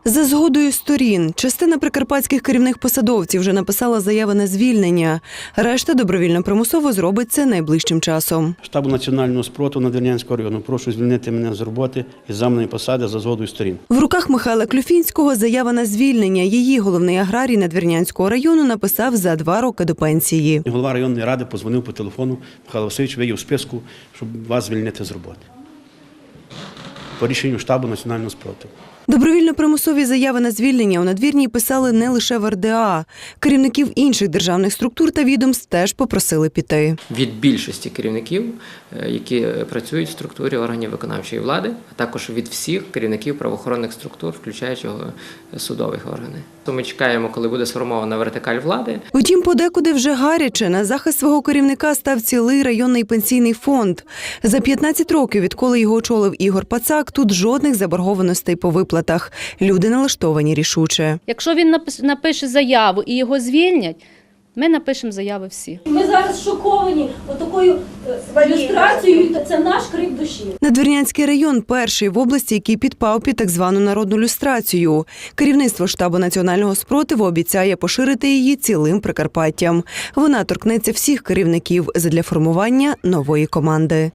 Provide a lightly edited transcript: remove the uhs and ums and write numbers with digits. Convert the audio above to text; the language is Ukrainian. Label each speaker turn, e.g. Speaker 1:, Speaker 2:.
Speaker 1: За згодою сторін, частина прикарпатських керівних посадовців вже написала заяви на звільнення. Решта добровільно-примусово зробить це найближчим часом.
Speaker 2: Штабу національного спротиву Надвірнянського району. Прошу звільнити мене з роботи із замовної посади за згодою сторін.
Speaker 1: В руках Михайла Клюфінського заява на звільнення. Її головний аграрій Надвірнянського району написав за 2 роки до пенсії.
Speaker 2: Голова районної ради подзвонив по телефону. Михайло Васильович, ви є у списку, щоб вас звільнити з роботи. По рішенню штабу національного спротиву.
Speaker 1: Добровільно-примусові заяви на звільнення у Надвірній писали не лише в РДА. Керівників інших державних структур та відомств теж попросили піти.
Speaker 3: Від більшості керівників, які працюють в структурі органів виконавчої влади, а також від всіх керівників правоохоронних структур, включаючи судових органів. То ми чекаємо, коли буде сформована вертикаль влади.
Speaker 1: Утім, подекуди вже гаряче. На захист свого керівника став цілий районний пенсійний фонд. За 15 років, відколи його очолив Ігор Пацак, тут жодних заборгованостей по виплатах. Люди налаштовані рішуче.
Speaker 4: Якщо він напише заяву і його звільнять, ми напишемо заяви всі.
Speaker 5: Ми зараз шоковані отакою люстрацією, це наш крик душі.
Speaker 1: Надвірнянський район – перший в області, який підпав під так звану народну люстрацію. Керівництво штабу національного спротиву обіцяє поширити її цілим Прикарпаттям. Вона торкнеться всіх керівників задля формування нової команди.